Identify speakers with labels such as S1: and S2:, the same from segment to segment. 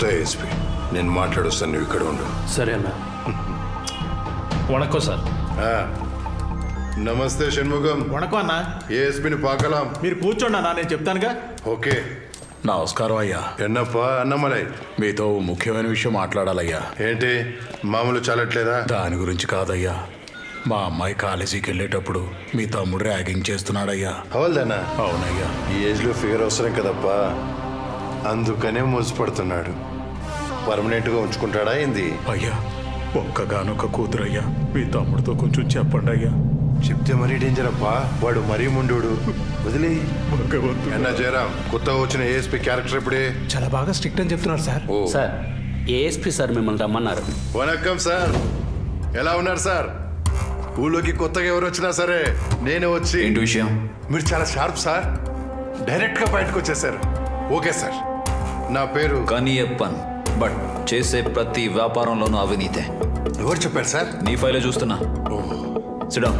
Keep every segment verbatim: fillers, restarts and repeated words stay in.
S1: కొత్త ఏఎస్పీ. నేను మాట్లాడొస్తాను, నువ్వు ఇక్కడ ఉండు.
S2: సరే అన్న. వణక్కం సార్.
S1: నమస్తే షణ్ముఖం.
S3: వణకం అన్న.
S1: ఏఎస్పీని పాకలాం.
S3: మీరు కూర్చోండి అన్న, నేను చెప్తానుగా.
S1: ఓకే.
S4: నమస్కారం అయ్యా.
S1: ఎన్నప్పా అన్నమలై,
S4: మీతో ముఖ్యమైన విషయం మాట్లాడాలయ్యా.
S1: ఏంటి మామూలు చాలట్లేదా?
S4: దాని గురించి కాదయ్యా, మా అమ్మాయి కాలేజీకి వెళ్ళేటప్పుడు మీ తమ్ముడు ర్యాగింగ్ చేస్తున్నాడయ్యా.
S1: అవల్దానా?
S4: అవునయ్యా.
S1: ఈ ఏజ్ లో ఫిగర్ అవసరం కదప్పా, అందుకనే మోసపడుతున్నాడు. పర్మనెంట్ గా ఉంచుకుంటాడా ఏంది?
S4: అయ్యా, ఒక్కగానొక్క కూతురయ్యా, మీ తమ్ముడితో కొంచెం చెప్పండి అయ్యా.
S1: చెప్తే మరీ డేంజర్ అప్పా, వాడు మరీ ముండోడు. వదిలే.
S4: భగవంతుడా.
S1: అన్నా జయరాం, కొత్తగా వచ్చిన ఏఎస్పీ క్యారెక్టర్ ఇప్పుడే
S3: చాలా బాగా స్ట్రిక్ట్ అని చెప్తున్నారు సార్.
S1: ఓ
S2: సార్, ఏఎస్పీ సార్ మిమ్మల్ని రమ్మన్నారు.
S1: వణక్కం సార్, ఎలా ఉన్నారు సార్? ఊళ్ళోకి కొత్తగా ఎవరు వచ్చినా సరే నేనే వచ్చి.
S5: ఏంటి విషయం?
S1: మీరు చాలా షార్ప్ సార్, డైరెక్ట్ గా బయటకు వచ్చేసారు. ఓకే సార్, నా పేరు
S5: కనియప్పన్, బట్ చేసే ప్రతి వ్యాపారంలోనూ అవినీతే.
S1: ఎవరు చెప్పారు సార్?
S5: నీ ఫైలే చూస్తున్నా. సిడా.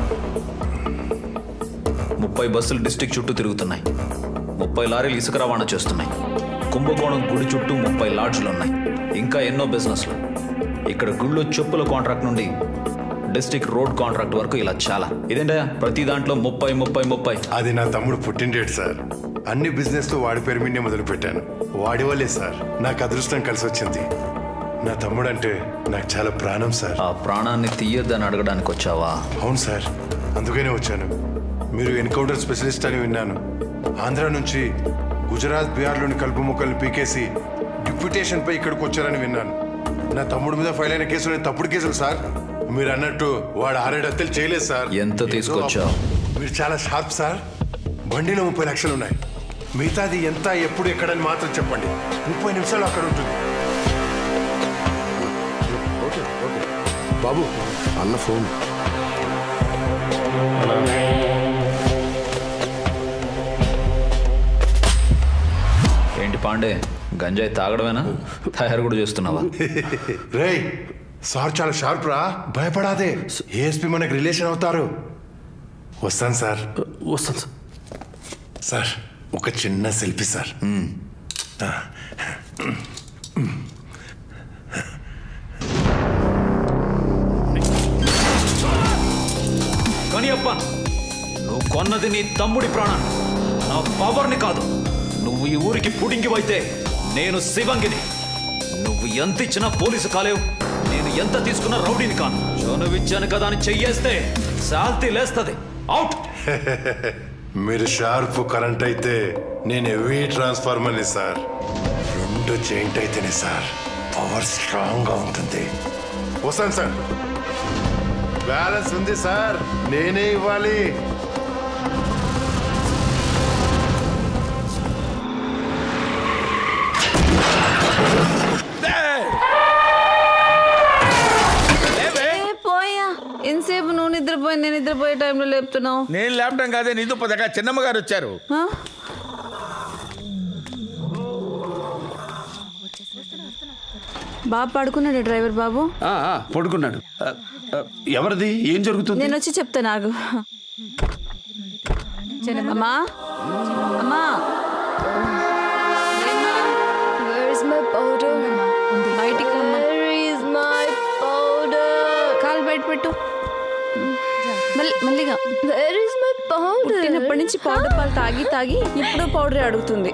S5: ముప్పై బస్సులు డిస్టిక్ చుట్టూ తిరుగుతున్నాయి, ముప్పై లారీలు ఇసుక రవాణా చేస్తున్నాయి, కుంభకోణం గుడి చుట్టూ ముప్పై లాడ్జ్లు ఉన్నాయి, ఇంకా ఎన్నో బిజినెస్లు. ఇక్కడ గుళ్ళో చెప్పుల కాంట్రాక్ట్ నుండి డిస్టిక్ రోడ్ కాంట్రాక్ట్ వరకు ఇలా చాలా. ఇదేంటయ్యా ప్రతి దాంట్లో ముప్పై ముప్పై ముప్పై?
S1: అది నా తమ్ముడు పుట్టినడేడు సార్. అన్ని బిజినెస్ తో వాడి పేరు మీదే మొదలు పెట్టాను. వాడి వల్లే సార్ నాకు అదృష్టం కలిసి వచ్చింది. నా తమ్ముడు అంటే నాకు చాలా ప్రాణం సార్.
S5: ఆ ప్రాణాన్ని తీయొద్దని అడగడానికి వచ్చావా?
S1: అవును సార్, అందుకనే వచ్చాను. మీరు ఎన్కౌంటర్ స్పెషలిస్ట్ అని విన్నాను. ఆంధ్ర నుంచి గుజరాత్, బీహార్లోని కలుపు మొక్కల్ని పీకేసి డిప్యూటేషన్ పై ఇక్కడికి వచ్చారని విన్నాను. నా తమ్ముడు మీద ఫైల్ అయిన కేసులు తప్పుడు కేసులు సార్. మీరు అన్నట్టు వాడు ఆరేడు హత్యలు చేయలేదు సార్.
S5: ఎంత తీసుకొచ్చావు?
S1: మీరు చాలా షార్ప్ సార్. బండిలో ముప్పై లక్షలు ఉన్నాయి. మిగతాది ఎంత, ఎప్పుడు, ఎక్కడని మాత్రం చెప్పండి. ముప్పై నిమిషాలు అక్కడ ఉంటుంది.
S6: ఓకే ఓకే బాబు, అన్న ఫోన్.
S5: ఏంటి పాండే, గంజాయి తాగడమేనా, తయారు కూడా చేస్తున్నావా?
S1: రేయ్ సార్ చాలా షార్ప్ రా, భయపడాదే. ఏఎస్పీ మనకు రిలేషన్ అవుతారు. వస్తాను సార్.
S2: వస్తాను సార్.
S1: సార్ ఒక చిన్న సెల్ఫీ సార్.
S5: కనియప్ప, నువ్వు కొన్నది నీ తమ్ముడి ప్రాణాన్ని, నా పవర్ని కాదు. నువ్వు ఈ ఊరికి పుడింగివైతే నేను శివంగిని. నువ్వు ఎంత ఇచ్చినా పోలీసు కాలేవు, నేను ఎంత తీసుకున్నా రౌడీని కాను. చనువిచ్చాను కదా అని చెయ్యేస్తే శాల్తీ లేస్తుంది. అవుట్.
S1: మీరు షార్ప్ కరెంట్ అయితే నేను హెవీ ట్రాన్స్ఫార్మర్ని సార్. రెండు జాయింట్ అయితేనే సార్ పవర్ స్ట్రాంగ్ గా ఉంటుంది. వస్తాను సార్. బ్యాలెన్స్ ఉంది సార్, నేనే ఇవ్వాలి.
S7: ఎంతసేపు నువ్వు నిద్రపోయి నేను నిద్రపోయే టైంలో లేపుతున్నావు?
S8: నేను లేపడం కాదే, నీతో పదగా చిన్నమ్మ గారు వచ్చారు.
S7: బాబు పడుకున్నాడు డ్రైవర్ బాబు?
S8: పడుకున్నాడు. ఎవరిది, ఏం జరుగుతుంది?
S7: నేను వచ్చి చెప్తా. నాకు అమ్మా అమ్మా బయటికి కాలు బయట పెట్టు. మళ్ళీగా పుట్టినప్పటి నుంచి పౌడర్ పాలు తాగి తాగి ఇప్పుడు పౌడరే అడుగుతుంది.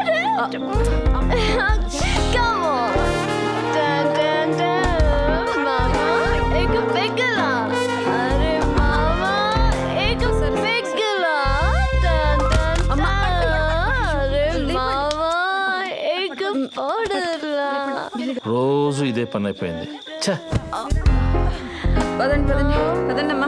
S2: రోజు ఇదే పని అయిపోయింది.
S7: పదండి పదండి పదండి అమ్మా.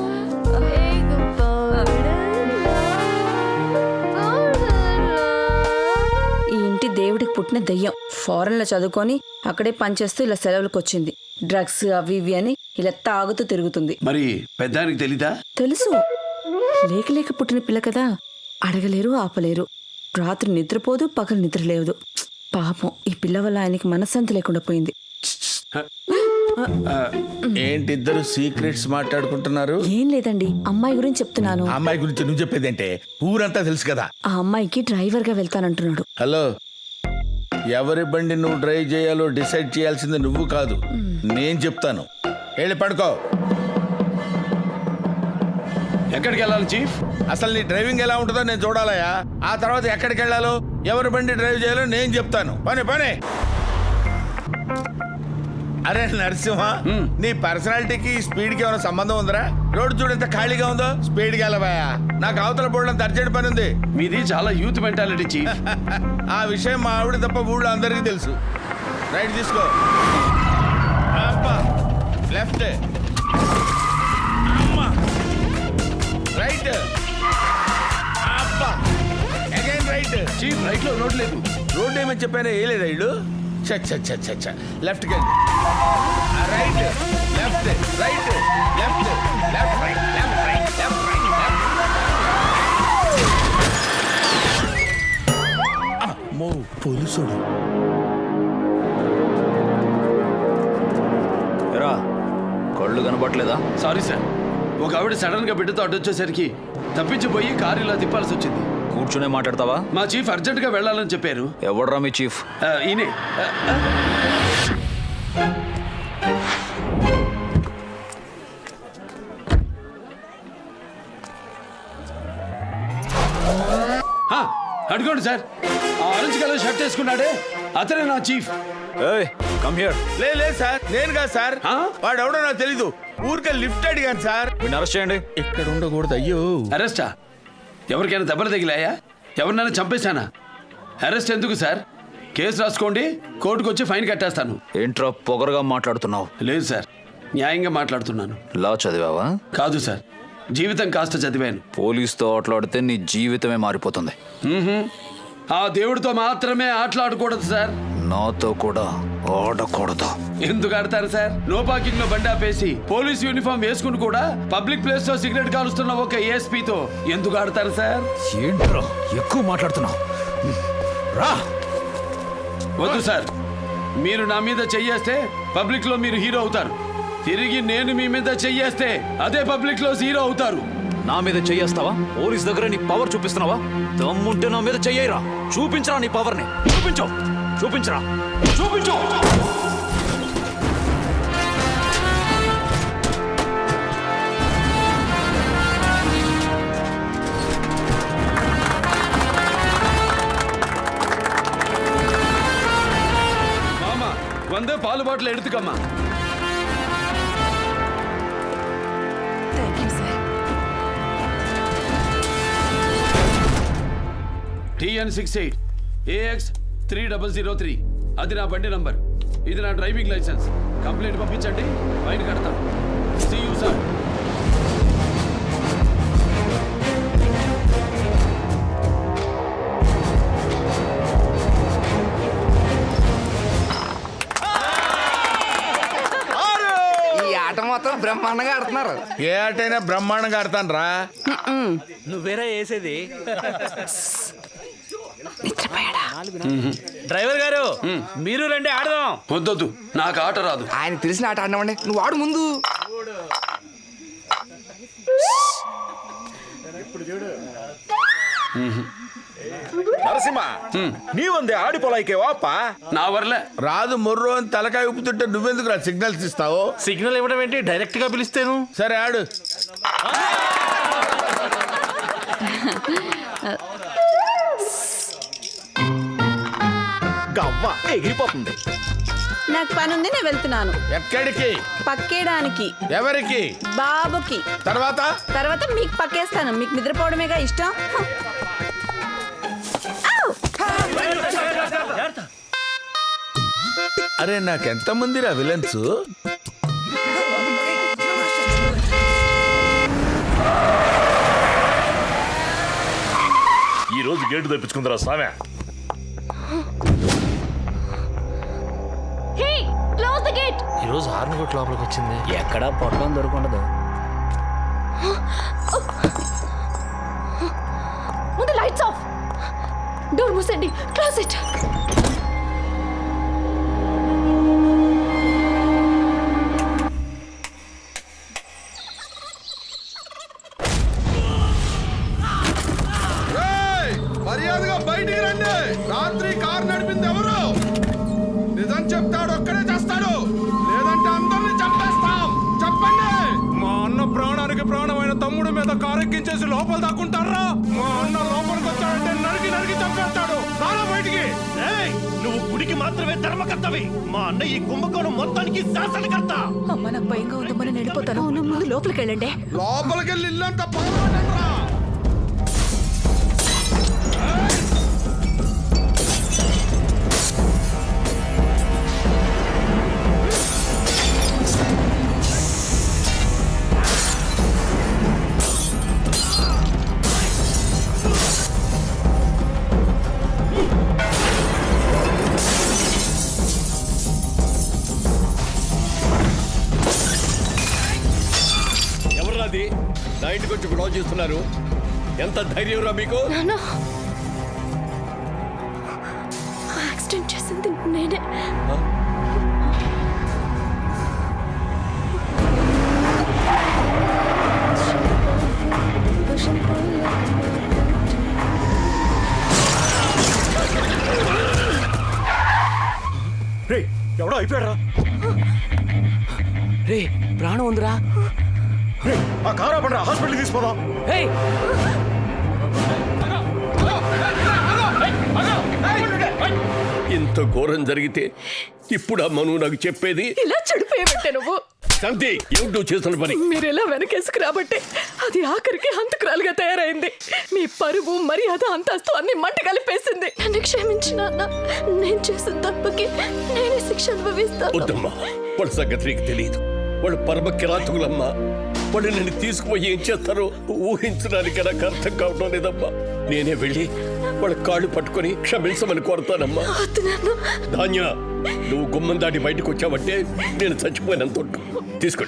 S7: ఈ ఇంటి దేవుడికి పుట్టిన దెయ్యం. ఫారెన్ లో చదువుకొని అక్కడే పనిచేస్తూ ఇలా సెలవులకు వచ్చింది. డ్రగ్స్ అవి ఇవి అని ఇలా తాగుతూ తిరుగుతుంది.
S8: మరి పెద్దానికి తెలీదా?
S7: తెలుసు, లేక లేక పుట్టిన పిల్ల కదా, అడగలేరు ఆపలేరు. రాత్రి నిద్రపోదు, పగలు నిద్ర లేదు. పాపం ఈ పిల్ల వల్ల ఆయనకి మనశ్శాంతి లేకుండా పోయింది.
S8: ఏంటి ఇద్దరు సీక్రెట్స్ మాట్లాడుకుంటున్నారు?
S7: ఏం లేదండి, అమ్మాయి గురించి చెప్తున్నాను.
S8: అమ్మాయి గురించి నువ్వు చెప్పేదంటే ఊరంతా తెలుసు కదా.
S7: ఆ అమ్మాయికి డ్రైవర్ గా వెళ్తానంటున్నాడు.
S8: హలో, ఎవరి బండి నువ్వు డ్రైవ్ చేయాలో డిసైడ్ చేయాల్సింది నువ్వు కాదు, నేను చెప్తాను. వెళ్ళి పడుకో.
S9: ఎక్కడికి వెళ్ళాలి చీఫ్?
S8: అసలు నీ డ్రైవింగ్ ఎలా ఉంటుందో నేను చూడాలయా. ఆ తర్వాత ఎక్కడికి వెళ్ళాలో ఎవరి బండి డ్రైవ్ చేయాలో నేను చెప్తాను. పని పని. అరే నరసింహ, నీ పర్సనాలిటీకి స్పీడ్కి ఏమైనా సంబంధం ఉందిరా? రోడ్డు చూడు ఎంత ఖాళీగా ఉందో. స్పీడ్కి వెళ్ళబాయా, నాకు అవతల పోవడం అర్జెంట్ పని ఉంది.
S9: మీది చాలా యూత్ మెంటాలిటీ చీఫ్.
S8: ఆ విషయం మా ఆవిడ తప్ప ఊళ్ళో అందరికీ తెలుసు. రైట్ తీసుకో. అబ్బా, లెఫ్ట్, అమ్మా, రైట్, అబ్బా, అగైన్ రైట్.
S9: చీఫ్ రైట్ లో రోడ్ లేదు.
S8: రోడ్ ఏమని చెప్పాను, ఏ లేదా ఇల్లు. లెఫ్ట్కి వెళ్ళి right, left, right, left, left, right, left, right, left, right, left. అమ్మో, పోలీసుడు.
S5: ఎరా కళ్ళు కనబట్లేదా?
S9: సారీ సార్, ఒక ఆవిడ సడన్ గా బిడ్డతో అడ్డొచ్చేసరికి తప్పించిపోయి కారు ఇలా తిప్పాల్సి వచ్చింది.
S5: కూర్చునే మాట్లాడతావా?
S9: మా చీఫ్ అర్జెంట్ గా వెళ్ళాలని చెప్పారు.
S5: ఎవడ్రా మీ చీఫ్?
S9: ఆ, ఈయనే. ఆ, ఆ. ఆ, అడుకోండి సార్, ఆ ఆరెంజ్ కలర్ షర్ట్ వేసుకున్నాడే అతనే నా చీఫ్.
S5: ఏయ్ కమ్ హియర్.
S8: లే లేదు సార్, నేను కాదు సార్.
S9: ఆ?
S8: వాడు ఎవడో నాకు తెలీదు. ఊరికే లిఫ్ట్ అడిగాను సార్.
S5: వీడిని అరెస్ట్ చేయండి.
S8: ఇక్కడ ఉండకూడదు. అయ్యో,
S9: అరెస్టా? ఎవరికైనా దెబ్బలు తగిలాయా? ఎవరినైనా చంపేశానా? అరెస్ట్ ఎందుకు సార్? కేసు రాసుకోండి, కోర్టుకు వచ్చి ఫైన్ కట్టేస్తాను.
S5: ఏంట్రా పొగరుగా మాట్లాడుతున్నావు?
S9: లేదు సార్, న్యాయంగా మాట్లాడుతున్నాను.
S5: లా చదివావా?
S9: కాదు సార్, జీవితం కాస్త చదివాను.
S5: పోలీసుతో ఆటలాడితే నీ జీవితమే మారిపోతుంది.
S9: మ్మ్హ్మ్. ఆ దేవుడితో మాత్రమే ఆటలాడకూడదు సార్.
S5: నాతో కూడా ఆడకూడదు.
S9: ఎందుకు ఆడతారు సార్? నో పార్కింగ్ లో బండి ఆపేసి పోలీస్ యూనిఫామ్ వేసుకుని కూడా పబ్లిక్ ప్లేస్ లో సిగరెట్ కాలుస్తున్న ఒక ఏఎస్పీతో ఎందుకు ఆడతారు సార్?
S5: ఏంట్రా ఎక్కువ మాట్లాడుతున్నావు? రా.
S9: వద్దు సార్, మీరు నా మీద చెయ్యేస్తే పబ్లిక్ లో మీరు హీరో అవుతారు. తిరిగి నేను మీ మీద చెయ్యేస్తే అదే పబ్లిక్ లో హీరో అవుతారు.
S5: నా మీద చెయ్యేస్తావా? పోలీస్ దగ్గర నీ పవర్ చూపిస్తున్నావా? దమ్ముంటే నా మీద చెయ్యరా. చూపించరా నీ పవర్ ని. చూపించు, చూపించరా, చూపించు.
S9: மாமா வந்து பால் பாட்டில் எடுத்துக்கம்மா. TN six eight AX three double zero three అది నా బండి నంబర్. ఇది నా డ్రైవింగ్ లైసెన్స్. కంప్లైంట్ పంపించండి, ఫైన్ కడతాను. See you sir.
S10: ఈ ఆట మొత్తం బ్రహ్మాండంగా ఆడుతున్నారు.
S8: ఏ ఆటైనా బ్రహ్మాండంగా ఆడతాను రా.
S2: నువ్వేరా వేసేది? డ్రైవర్ గారు మీరు రండి ఆడదాం.
S9: వద్దొద్దు, నాకు ఆట రాదు.
S10: ఆయన తెలిసిన ఆట ఆడినామండి, నువ్వు ఆడు ముందు.
S5: నరసింహ నీ వందే ఆడిపోలాయికే వాప.
S9: నా వర్లే
S8: రాదు మొర్రో అని తలకాయ ఉప్పుతుంటే నువ్వెందుకు రా సిగ్నల్స్ ఇస్తావు?
S2: సిగ్నల్ ఇవ్వడం ఏంటి, డైరెక్ట్ గా పిలిస్తేను.
S8: సరే ఆడు.
S5: గవ్వ ఎగిరిపోతుంది.
S7: నాకు పని ఉంది, నేను వెళ్తున్నాను.
S8: ఎక్కడికి?
S7: పక్కేయడానికి.
S8: ఎవరికి?
S7: బాబుకి.
S8: తర్వాత
S7: తర్వాత మీకు పక్కేస్తాను. మీకు నిద్రపోవడమేగా ఇష్టం.
S8: అరే నాకెంత మందిరా విలన్స్?
S11: ఈ రోజు గేటు తెప్పించుకుందరా సామె.
S2: ఈ రోజు హార్న్ కొట్టి లోపలికి వచ్చింది. ఎక్కడా పొట్టం దొరకుండదు.
S12: ముందు లైట్స్ ఆఫ్. డోర్ మూసండి. Close it.
S8: మర్యాదగా బయటికి రండి. రాత్రి కారు నడిపింది ఎవరు? చెప్తాడు ఒక్కడే చేస్తాడు లేదంటే అందరిని చంపేస్తాం చెప్పండి.
S3: మా అన్న ప్రాణానికి ప్రాణమైన తమ్ముడి మీద కారెక్కించేసి లోపల దాక్కుంటారా? మా అన్న లోపలికి వచ్చాడంటే నరికి నరికి చంపేస్తాడు. రారా బయటికి.
S11: నువ్వు గుడికి మాత్రమే ధర్మకర్తవి. మా అన్న ఈ కుంభకోణం మొత్తానికి శాసనకర్త.
S12: అమ్మ నాకు భయంగా ఉందమ్మా, నేను వెళ్ళిపోతాను. అవును, ముందు లోపలికి వెళ్ళండి.
S8: లోపలికి వెళ్ళి ఇల్లంతా పగలగొట్టండి రా.
S9: ఎవరది నా ఇంటికి వచ్చి గొడవ చేస్తున్నారు? ఎంత ధైర్యం రా మీకు?
S12: నాన్న, యాక్సిడెంట్ చేసింది నేనే.
S11: రే ఎవడో అయిపోయారా?
S2: రే ప్రాణం ఉందిరా.
S11: రే ఆ కారా పండ్రా, హాస్పిటల్ తీసుకోదాం.
S2: హే
S9: ఇంత ఘోరం జరిగితే ఇప్పుడు అమ్మ నువ్వు నాకు చెప్పేది?
S12: ఇలా చెడిపోయబట్టే నువ్వు.
S9: శాంతి, ఏమిటి నువ్వు చేస్తున్న పని?
S12: మీరు ఎలా వెనకేసుకు రాబట్టే అది ఆఖరికి హంతకురాలుగా తయారైంది. మీ పరువు మర్యాద అంతస్తు అన్ని మంట కలిపేసింది. నన్ను క్షమించిన అన్న, నేను చేసిన తప్పుకి నేనే శిక్ష అనుభవిస్తాను.
S9: వద్దమ్మా, వాళ్ళ సంగతి నీకు తెలియదు. వాళ్ళు పరమ కిరాతకులమ్మా. వాళ్ళు నేను తీసుకుపోయి ఏం చేస్తారో ఊహించడానికి నాకు అర్థం కావడం లేదమ్మా. నేనే వెళ్ళి వాళ్ళ కాళ్ళు పట్టుకొని క్షమించమని కోరుతానమ్మా.
S12: వద్దు నాన్న.
S9: ధాన్య, నువ్వు గుమ్మం దాటి బయటకు వచ్చావంటే నేను చచ్చిపోయినంత తీసుకో